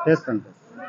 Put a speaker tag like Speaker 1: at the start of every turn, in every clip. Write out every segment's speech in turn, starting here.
Speaker 1: చేస్తాను.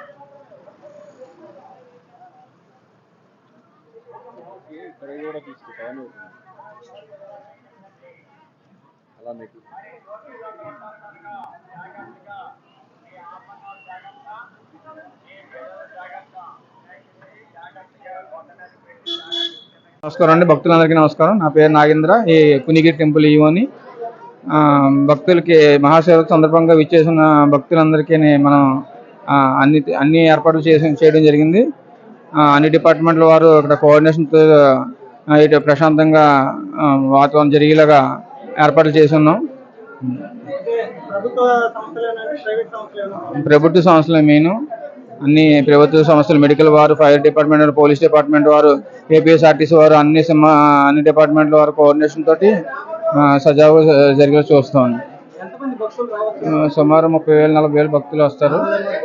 Speaker 1: నమస్కారం అండి, భక్తులందరికీ నమస్కారం. నా పేరు నాగేంద్ర, ఈ పునిగిరి టెంపుల్ ఈవోని. భక్తులకి మహాశివరాత్రి సందర్భంగా విచ్చేసిన భక్తులందరికీ మనం అన్ని ఏర్పాట్లు చేయడం జరిగింది. అన్ని డిపార్ట్మెంట్ల వారు ఇక్కడ కోఆర్డినేషన్తో ఇటు ప్రశాంతంగా వాతావరణం జరిగేలాగా ఏర్పాట్లు చేసి ఉన్నాం. ప్రభుత్వ సంస్థలే మెయిన్. అన్ని ప్రభుత్వ సంస్థలు, మెడికల్ వారు, ఫైర్ డిపార్ట్మెంట్ వారు, పోలీస్ డిపార్ట్మెంట్ వారు, ఏపీఎస్ఆర్టీసీ వారు, అన్ని డిపార్ట్మెంట్ల వారు కోఆర్డినేషన్ తోటి సజావుగా జరిగేలా చూస్తాం. సుమారు 30,000-40,000 భక్తులు వస్తారు.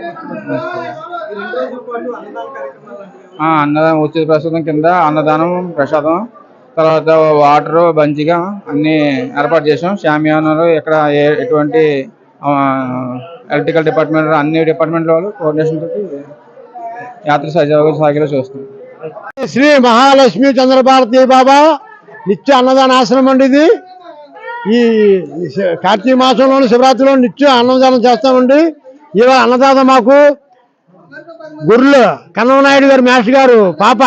Speaker 1: అన్నదానం ఉచిత ప్రసాదం కింద అన్నదానం, ప్రసాదం, తర్వాత వాటర్, బంజిగా అన్ని ఏర్పాటు చేసాం. షామియానాలు ఇక్కడ ఎటువంటి ఎలక్ట్రికల్ డిపార్ట్మెంట్, అన్ని డిపార్ట్మెంట్ల వాళ్ళు కోఆర్డినేషన్ తోటి యాత్ర సజావుగా సాగేలా చూస్తాం.
Speaker 2: శ్రీ మహాలక్ష్మి చంద్రభారతి బాబా నిత్య అన్నదాన ఆశ్రమం అండి ఇది. ఈ కార్తీక మాసంలోని శివరాత్రిలో నిత్యం అన్నదానం చేస్తామండి. ఇవాళ అన్నదాత మాకు గుర్రులు కన్నమనాయుడు గారు, మాస్టర్ గారు పాప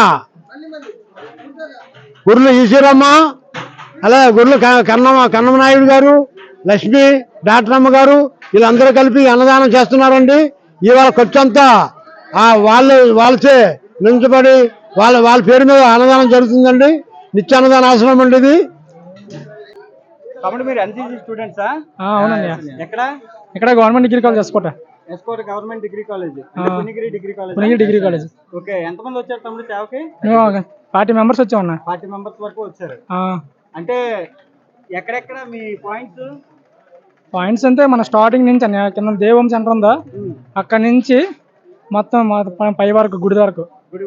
Speaker 2: గుర్రులు ఈశ్వరమ్మ, అలాగే గుర్రులు కన్నమనాయుడు గారు, లక్ష్మి, డాక్టర్ అమ్మ గారు, వీళ్ళందరూ కలిపి అన్నదానం చేస్తున్నారండి. ఇవాళ ఖర్చంతా వాళ్ళచే నించబడి వాళ్ళ పేరు మీద అన్నదానం జరుగుతుందండి. నిత్య అన్నదాన ఆశ్రమం అండి ఇది.
Speaker 1: కాబట్టి మీరు ఎన్సీసీ స్టూడెంట్సా?
Speaker 3: అవునండి. ఇక్కడ government degree college
Speaker 1: S Kota government degree college, Punyagiri degree college. Okay, ఎంతమంది వచ్చారు తమ్ముడు సేవకి?
Speaker 3: 40 మెంబర్స్ వచ్చామన్నా.
Speaker 1: 40 మెంబర్స్ వరకు వచ్చారు. అంటే ఎక్కడెక్కడ మీ పాయింట్స్
Speaker 3: అంటే మన స్టార్టింగ్ నుంచి అన్న కింద దేవం సెంటర్ ఉందా, అక్కడ నుంచి మొత్తం పై వరకు గుడి వరకు.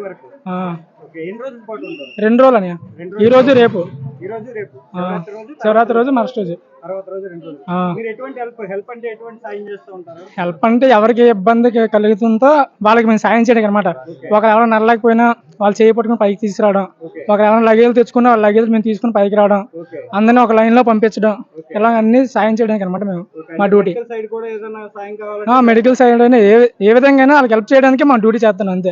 Speaker 3: 2 రోజులు అన్నయ్య. ఈ రోజు రేపు. శివరాత్రి రోజు, మరస్ట్ రోజు. హెల్ప్ అంటే ఎవరికి ఇబ్బంది కలుగుతుందో వాళ్ళకి మేము సాయం చేయడం అనమాట. ఒకరు ఎవరైనా నడలేకపోయినా వాళ్ళు చేయి పట్టుకుని పైకి తీసుకురావడం, ఒకరు ఎవరైనా లగేజ్ తెచ్చుకున్నా వాళ్ళ లగేజ్ మేము తీసుకుని పైకి రావడం, అందరినీ ఒక లైన్ లో పంపించడం, ఇలా అన్ని సాయం చేయడానికి అనమాట మేము మా డ్యూటీ. మెడికల్ సైడ్ అయినా ఏ విధంగా వాళ్ళకి హెల్ప్ చేయడానికి మా డ్యూటీ చేస్తాను అంతే.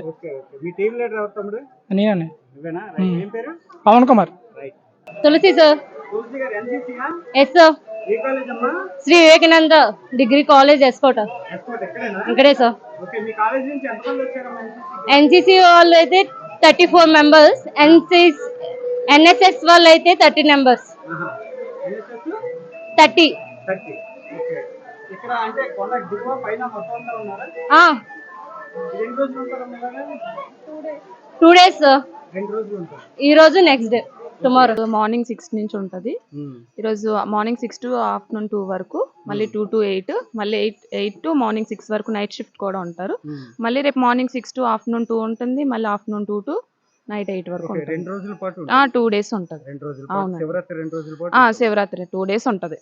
Speaker 3: నేనే Pavan Kumar.
Speaker 4: Tulasi sir. Yes sir. Shri Vivekananda degree college S Kota ఇక్కడే సార్. ఎన్సీసీ వాళ్ళు అయితే 34 మెంబర్స్, ఎన్ఎస్ఎస్ వాళ్ళు అయితే 30 మెంబర్స్. 30. 2 days sir. ఈ రోజు నెక్స్ట్ డే టుమారో.
Speaker 5: మార్నింగ్ 6 నుంచి ఉంటుంది. ఈరోజు మార్నింగ్ 6 to ఆఫ్టర్నూన్ 2 వరకు, మళ్ళీ 2 to 8, మళ్ళీ 8 to మార్నింగ్ 6 వరకు నైట్ షిఫ్ట్ కూడా ఉంటారు. మళ్ళీ రేపు మార్నింగ్ 6 to ఆఫ్టర్నూన్ 2 ఉంటుంది, మళ్ళీ ఆఫ్టర్నూన్ 2 to నైట్ 8 వరకు ఉంటుంది. 2 days ఉంటుంది. అవును, శివరాత్రి 2 days ఉంటుంది.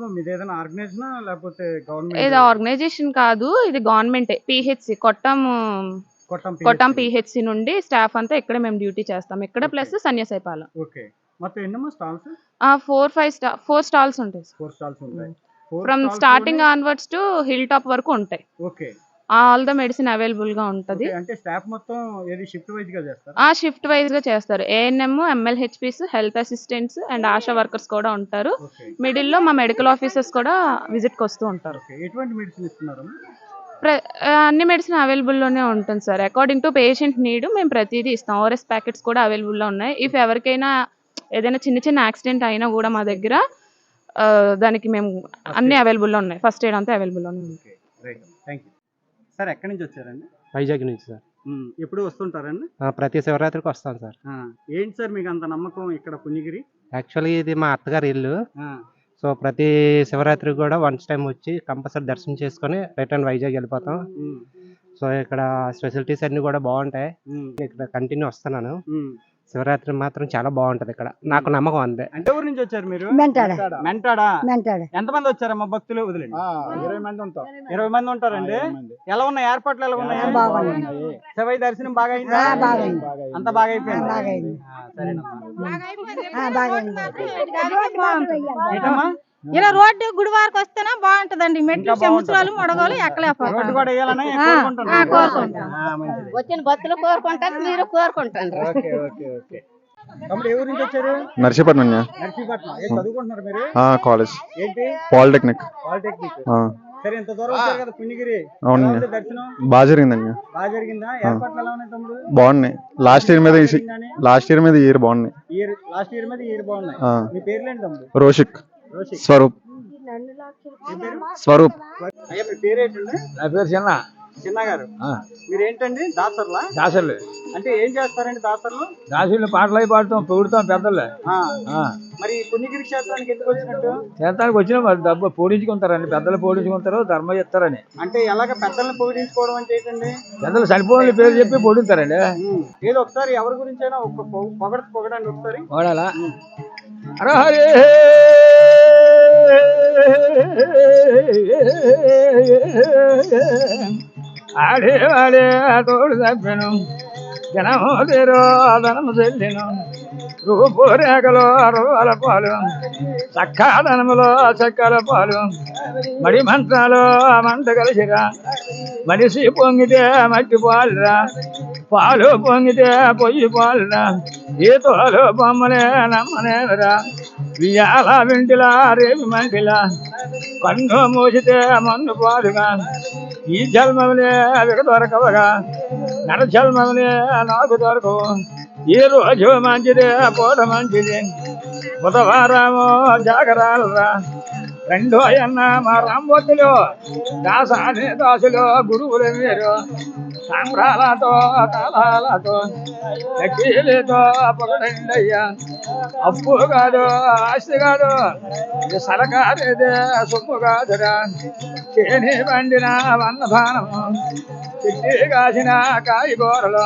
Speaker 5: ఇది ఆర్గనైజేషన్ కాదు, ఇది గవర్నమెంట్. పిహెచ్సి కొట్టం పిహెచ్సి నుండి స్టాఫ్ అంతా ఇక్కడ మేము డ్యూటీ చేస్తాం. ఇక్కడ ప్లస్ సన్యాసైపాలెం. 4 స్టాల్స్ ఉంటాయి. From starting onwards to hill top వరకు ఉంటాయి. ఆల్ ద మెడిసిన్ అవైలబుల్ గా ఉంటది. షిఫ్ట్ వైజ్ గా చేస్తారు. ANM, MLHPs, health assistants and ASHA workers కూడా ఉంటారు. మిడిల్ లో మా మెడికల్ ఆఫీసర్స్ కూడా విజిట్ కి వస్తూ ఉంటారు. అన్ని మెడిసిన్ అవైలబుల్లోనే ఉంటుంది sir. According to patient need మేము ప్రతిదీ ఇస్తాం. ఓఆర్ఎస్ ప్యాకెట్స్ కూడా అవైలబుల్లో ఉన్నాయి. ఇఫ్ ఎవరికైనా ఏదైనా చిన్న యాక్సిడెంట్ అయినా కూడా మా దగ్గర దానికి మేము అన్ని అవైలబుల్లో ఉన్నాయి. ఫస్ట్ ఎయిడ్ అంతా అవైలబుల్లో ఉంది.
Speaker 1: సార్ ఎక్కడి నుంచి వచ్చారండి?
Speaker 3: వైజాగ్ నుంచి సార్.
Speaker 1: ఎప్పుడు వస్తుంటారండి?
Speaker 3: ప్రతి శివరాత్రికి వస్తాను సార్.
Speaker 1: ఏంటి సార్ మీకు అంత నమ్మకం ఇక్కడ పునిగిరి?
Speaker 3: యాక్చువల్లీ ఇది మా అత్తగారి ఇల్లు. సో ప్రతి శివరాత్రి కూడా వన్స్ టైం వచ్చి కంపల్సరీ దర్శనం చేసుకొని రిటర్న్ వైజాగ్ వెళ్ళిపోతాం. సో ఇక్కడ ఫెసిలిటీస్ అన్ని కూడా బాగుంటాయి. ఇక్కడ కంటిన్యూ వస్తున్నాను.
Speaker 6: శివరాత్రి మాత్రం చాలా బాగుంటది ఇక్కడ, నాకు నమ్మకం అంతే.
Speaker 7: అంటే ఊరు నుంచి వచ్చారు మీరు?
Speaker 8: మెంటాడ
Speaker 7: మెంటాడా?
Speaker 8: మెంటాడ
Speaker 7: ఎంతమంది వచ్చారమ్మా భక్తులు? వదిలేండి.
Speaker 1: 20 మంది ఉంటాం.
Speaker 7: 20 మంది ఉంటారండి. ఎలా ఉన్నాయి ఏర్పాట్లు? ఎలా ఉన్నాయి?
Speaker 8: బాగున్నాయి.
Speaker 7: శివయ్య దర్శనం బాగా అయిందా?
Speaker 8: బాగైంది.
Speaker 7: అంత బాగా అయిపోయింది.
Speaker 8: బాగైంది.
Speaker 7: సరేనమ్మా.
Speaker 8: బాగైంది.
Speaker 7: ఏంటమ్మా?
Speaker 9: ఇలా రోడ్డు గుడి వారికి వస్తేనే బాగుంటదండి. మెట్లు
Speaker 7: ఇంకా బాగుంటది.
Speaker 9: చెముచురాలు మొడగోలు
Speaker 7: రోడ్డు
Speaker 9: ఎక్కలేకపోతాం.
Speaker 7: కూడా వేయాలని
Speaker 9: ఆ,
Speaker 7: కోరుకుంటున్నాను.
Speaker 9: కోరుకుంటాం.
Speaker 7: మంచిది.
Speaker 4: వచ్చిన భక్తులు కోరుకుంటారు, మీరు కోరుకుంటారు.
Speaker 7: Okay okay okay. తమ్ముడు ఏ ఊరు నుంచి వచ్చారు?
Speaker 10: నర్సీపట్నం
Speaker 7: నర్సీపట్నం. ఏం చదువుకుంటున్నారు మీరు?
Speaker 10: కాలేజ్
Speaker 7: ఏంటి?
Speaker 10: పాలిటెక్నిక్.
Speaker 7: పాలిటెక్నిక్. సరే, ఇంత దూరం వచ్చారు కదా పుణ్యగిరి.
Speaker 10: అవునండి.
Speaker 7: ఎలా ఉంది దర్శనం?
Speaker 10: బాగా జరిగిందండి,
Speaker 7: బాగా జరిగిందా? ఏర్పాట్లు ఎలా ఉన్నాయి తమ్ముడు?
Speaker 10: బాగున్నాయి. లాస్ట్ ఇయర్ మీద ఈ ఇయర్ బాగున్నాయి.
Speaker 7: లాస్ట్ ఇయర్ మీద ఈ ఇయర్ బాగున్నాయి. మీ పేర్లేంటి తమ్ముడు?
Speaker 10: రోషిక్,
Speaker 7: రోషిక్.
Speaker 10: స్వరూప్. స్వరూప్.
Speaker 7: అయ్యా మీ పేరేంటండి?
Speaker 1: నా పేరు చిన్న.
Speaker 7: చిన్న గారు, మీరేంటండి దాసర్లా?
Speaker 1: దాసర్లు.
Speaker 7: అంటే ఏం చేస్తారండి దాసర్లు?
Speaker 1: దాసులు పాటలు అవి పాడుతాం, పొగుడుతాం పెద్దలే.
Speaker 7: మరి పుణ్యగిరి క్షేత్రానికి ఎందుకు వచ్చినట్టు?
Speaker 1: చేతానికి వచ్చిన వాళ్ళు డబ్బు పోడించుకుంటారండి, పెద్దలు పోడించుకుంటారు, ధర్మం ఇస్తారని.
Speaker 7: అంటే ఎలాగ పెద్దల్ని పూజించుకోవడం అంటే ఏంటండి?
Speaker 1: పెద్దలు చనిపోయిన పేరు చెప్పి పొడుతారండి.
Speaker 7: ఏదో ఒకసారి ఎవరి గురించి అయినా ఒక పొగడండి ఒకసారి.
Speaker 1: వాడాలా? హరే ఆడే వాడే తోడు తప్పెను, జనము తీరో ధనము చెల్లిను, రూపు రేఖలో అరవాల పాలు, చక్కాదనములో చక్కల పాలు, మడి మంత్రాలు మంట కలిసిరా, మనిషి పొంగితే మట్టి పాలురా, పాలు పొంగితే పొయ్యి పాలురా, ఈ తోలు బొమ్మలే నమ్మనేరా, వియాల వింటిలా రేవి మంటిలా, కన్ను మూసితే మన్ను పాలుగా, ఈ జన్మములే అవిక దొరకవగా, నర జన్మములే నాకు దొరకవు, ఈ రోజు మంచిదే పూట మంచిది, బుధవారము జాగరాలరా, రెండో అన్న మా రాంబొత్తులు, దాసాని దాసులు గురువులు మీరు, సాంబ్రాలతో తాళాలతో లక్కీలతో పొగడండయ్యా, అప్పు కాదు ఆస్తి కాదు, సరకారేదే సొమ్ము కాదురా, చేని పండిన వన్నధానము, చెట్టి కాసిన కాయగూరలు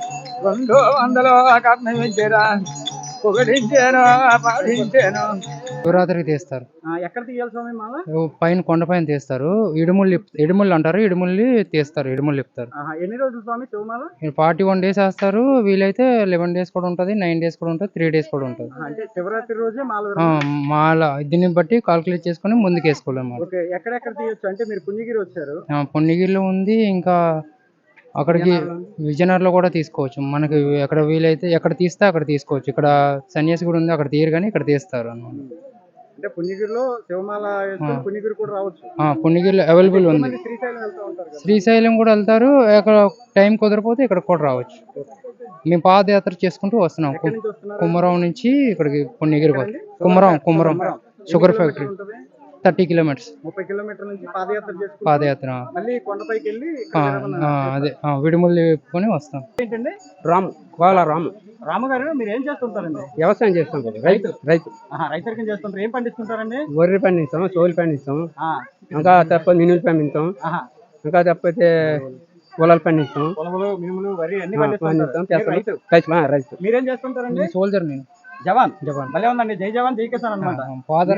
Speaker 1: 200 కర్ణమించరా, పొగడించాను పాటించాను.
Speaker 11: శివరాత్రికి తీస్తారు.
Speaker 7: ఎక్కడ తీయాలి స్వామి మాల?
Speaker 11: పైన కొండపైన తీస్తారు. ఇడుముళ్ళు అంటారు, ఇడుముల్ని తీస్తారు, ఇడుముళ్ళు ఇప్పుతారు.
Speaker 7: ఎన్ని రోజులు స్వామి శివమాల?
Speaker 11: 41 days వేస్తారు. వీలైతే 11 days కూడా ఉంటుంది, 9 days కూడా ఉంటుంది, 3 days కూడా ఉంటుంది.
Speaker 7: అంటే శివరాత్రి రోజే మాల?
Speaker 11: మాల దీన్ని బట్టి కాల్కులేట్ చేసుకుని ముందుకు వేసుకోలేము.
Speaker 7: ఓకే. ఎక్కడెక్కడ తీయొచ్చు? అంటే మీరు పుణ్యగిరి వచ్చారు.
Speaker 11: పుణ్యగిరిలో ఉంది, ఇంకా అక్కడికి విజయనగరంలో కూడా తీసుకోవచ్చు. మనకి ఎక్కడ వీలైతే ఎక్కడ తీస్తే అక్కడ తీసుకోవచ్చు. ఇక్కడ సన్యాసి కూడా ఉంది, అక్కడ తీయరు కానీ ఇక్కడ తీస్తారు అన్నమాట.
Speaker 7: అంటే పుణ్యగిరిలో శివమాల వేసుకొని పుణ్యగిరి కూడా రావచ్చు.
Speaker 11: పుణ్యగిరిలో అవైలబుల్ ఉంది.
Speaker 7: శ్రీశైలం వెళ్తూ ఉంటారు కదా?
Speaker 11: శ్రీశైలం కూడా వెళ్తారు. అక్కడ టైం కుదరపోతే ఇక్కడ కూడా రావచ్చు. మేము పాదయాత్ర చేసుకుంటూ వస్తున్నాం. కుమ్మరం నుంచి ఇక్కడికి Punyagiri Kummaram sugar factory 30 kilometers.
Speaker 7: 30 కిలోమీటర్ల నుంచి పాదయాత్ర
Speaker 11: పాదయాత్ర
Speaker 7: మళ్ళీ కొండపైకి వెళ్ళి
Speaker 11: అదే విడుములు వేపుకొని వస్తాం.
Speaker 7: ఏంటండి?
Speaker 6: రాము, కోలా రాము.
Speaker 7: రాము గారు, మీరు ఏం చేస్తుంటారండి?
Speaker 6: వ్యవసాయం చేస్తాం. రైతు
Speaker 7: రైతురికం చేస్తుంటారు. ఏం పండిస్తుంటారండి?
Speaker 6: వరి పండిస్తాం, సోలు పండిస్తాం, ఇంకా తప్ప మినుములు పండిస్తాం, ఇంకా తప్పితే పొలాలు పండిస్తాం,
Speaker 7: పొలములు మినుములు వరి అన్ని
Speaker 6: పండిస్తాం.
Speaker 7: రైతు. మీరేం చేస్తుంటారండి?
Speaker 11: సోల్జర్ నేను.
Speaker 7: జవాన్. భలే ఉందండి. జై జవాన్ జై కిసాన్ అనమాట.
Speaker 11: Father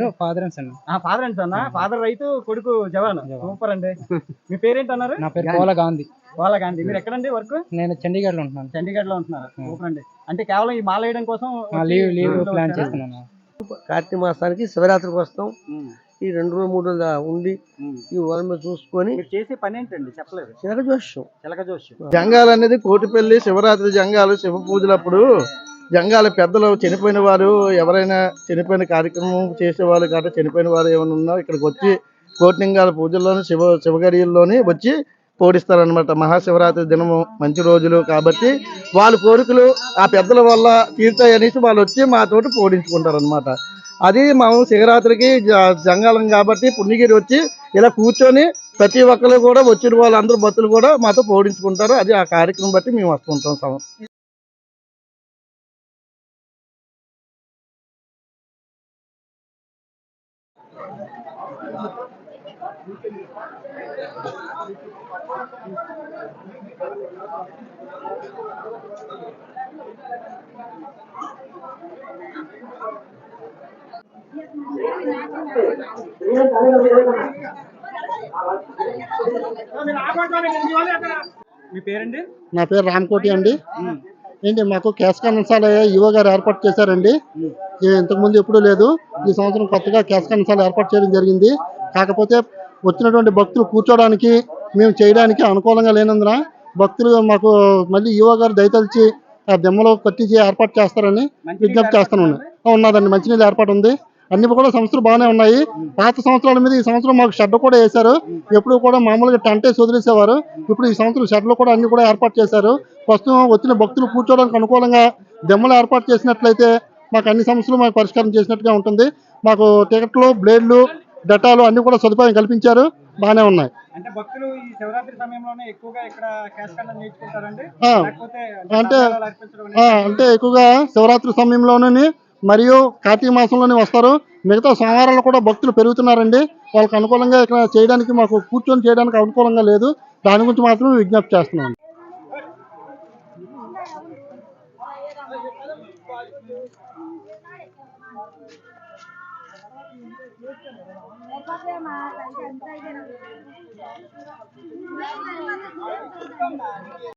Speaker 7: and sun. ఫాదర్ రైతు, కొడుకు జవాన్. సూపర్ అండి. మీ పేరేంటి అన్నారు?
Speaker 11: నా పేరు కోలా గాంధీ.
Speaker 7: మీరు ఎక్కడండి వర్క్?
Speaker 11: నేను చండీగఢ్ లో ఉంటున్నాను.
Speaker 7: చండీగఢ్ లో ఉంటున్నారు. సూపర్ అండి. అంటే కేవలం ఈ మాల వేయడం కోసం
Speaker 11: లీవ్ ప్లాన్ చేస్తున్నాను.
Speaker 8: కార్తీక మాసానికి శివరాత్రికి వస్తాం. ఈ 2 రోజులు 3 రోజులు ఉండి ఈ వరం చూసుకొని
Speaker 7: చేసే పని ఏంటండి? చెప్పలేదు.
Speaker 8: చిలక జోష్యం జంగాలు అనేది కోటిపల్లి శివరాత్రి జంగాలు శివ పూజలప్పుడు జంగాల పెద్దలు చనిపోయిన వారు ఎవరైనా చనిపోయిన కార్యక్రమం చేసేవాళ్ళు కాబట్టి చనిపోయిన వారు ఏమైనా ఉన్నా ఇక్కడికి వచ్చి కోటిలింగాల పూజల్లోని శివగడియల్లోని వచ్చి పోడిస్తారనమాట. మహాశివరాత్రి దినము మంచి రోజులు కాబట్టి వాళ్ళ కోరికలు ఆ పెద్దల వల్ల తీర్చాయనేసి వాళ్ళు వచ్చి మాతోటి పోడించుకుంటారు అనమాట. అది మేము శివరాత్రికి జంగాలం కాబట్టి పుణ్యగిరి వచ్చి ఇలా కూర్చొని ప్రతి ఒక్కరు కూడా వచ్చిన వాళ్ళందరూ భక్తులు కూడా మాతో పోడించుకుంటారు. అది ఆ కార్యక్రమం బట్టి మేము వస్తుంటాం.
Speaker 7: మీ పేరండి?
Speaker 8: నా పేరు రామకోటి అండి. ఏంటి మాకు క్యాష్ కన్సాల ఈవో గారు ఏర్పాటు చేశారండి. ఇంతకుముందు ఎప్పుడూ లేదు. ఈ సంవత్సరం కొత్తగా క్యాష్ కన్సాల ఏర్పాటు చేయడం జరిగింది. కాకపోతే వచ్చినటువంటి భక్తులు కూర్చోడానికి మేము చేయడానికి అనుకూలంగా లేనందున భక్తులు మాకు మళ్ళీ ఈవో గారు దయతలిచి ఆ దెమ్మలో కట్టించి ఏర్పాటు చేస్తారని విజ్ఞప్తి చేస్తున్నాను. ఉన్నదండి, మంచినీళ్ళు ఏర్పాటు ఉంది. అన్ని కూడా సంవత్సరాలు బాగానే ఉన్నాయి. పాత సంవత్సరాల మీద ఈ సంవత్సరం మాకు షెడ్ కూడా వేశారు. ఎప్పుడు కూడా మామూలుగా టెంట్ వేసి వదిలేసేవారు. ఇప్పుడు ఈ సంవత్సరం షెడ్లు కూడా అన్ని కూడా ఏర్పాటు చేశారు. ప్రస్తుతం వచ్చిన భక్తులు కూర్చోడానికి అనుకూలంగా దెమ్మలు ఏర్పాటు చేసినట్లయితే మాకు అన్ని సమస్యలు మాకు పరిష్కారం చేసినట్టుగా ఉంటుంది. మాకు టికెట్లు, బ్లేడ్లు, డెటాలు అన్ని కూడా సదుపాయం కల్పించారు. బాగానే ఉన్నాయి.
Speaker 7: అంటే భక్తులు ఈ శివరాత్రి సమయంలోనే ఎక్కువగా ఇక్కడ క్యాష్ కన్నం నేర్చుకుంటారండి.
Speaker 8: అంటే ఎక్కువగా శివరాత్రి సమయంలోనే మరియు కార్తీక మాసంలోనే వస్తారు. మిగతా సోమవారాలు కూడా భక్తులు పెరుగుతున్నారండి. వాళ్ళకి అనుకూలంగా ఇక్కడ చేయడానికి మాకు కూర్చొని చేయడానికి అనుకూలంగా లేదు. దాని గురించి మాత్రం విజ్ఞప్తి చేస్తున్నాను.